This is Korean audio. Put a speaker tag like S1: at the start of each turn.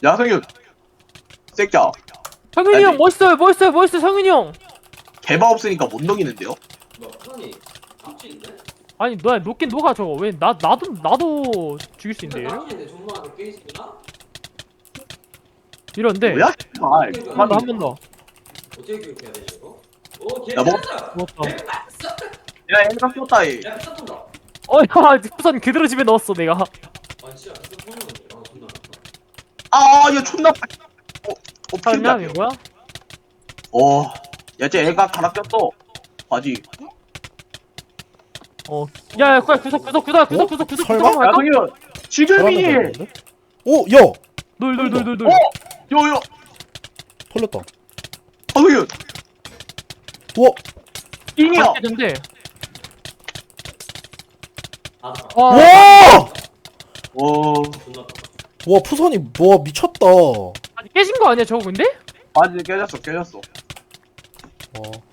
S1: 야 성윤 새끼야
S2: 성윤이
S1: 아니.
S2: 형 멋있어요 성윤이 형.
S1: 개바 없으니까 못 녹이는데요?
S3: 뭐야 푸선이 납치인데?
S2: 아니 너야 녹긴 녹아 저거. 왜 나도 죽일 수 있는데 얘를?
S3: 납치인데 존나 게이지구나?
S2: 이런데
S1: 뭐야? 아
S2: 한 번 더.
S3: 어떻게 교육해야 되지 이거? 오
S1: 야, 뭐-
S3: 개짜자!
S2: 먹었다.
S1: 야 애가 꼈다 얘
S3: 야 피자 쏜다!
S2: 어야 우선 그대로 집에 넣었어 내가.
S3: 아 진짜 피자 쏘는 거지 아 존나 아프다
S1: 아얘 존나 피운다
S2: 설명 이거야?
S1: 야쟤 애가 갈아 꼈어 바지
S2: 야야 구석
S4: 설마?
S1: 야 성윤 지금이
S4: 오! 야!
S2: 놀.
S1: 요요
S4: 털렸다.
S1: 성윤
S4: 우와!
S1: 잉이야
S2: 근데
S3: 아
S2: 와
S4: 와!
S3: 존나 아프다
S4: 와 푸선이 와 미쳤다.
S2: 아니 깨진 거 아니야 저거 근데?
S1: 바지 깨졌어
S4: 와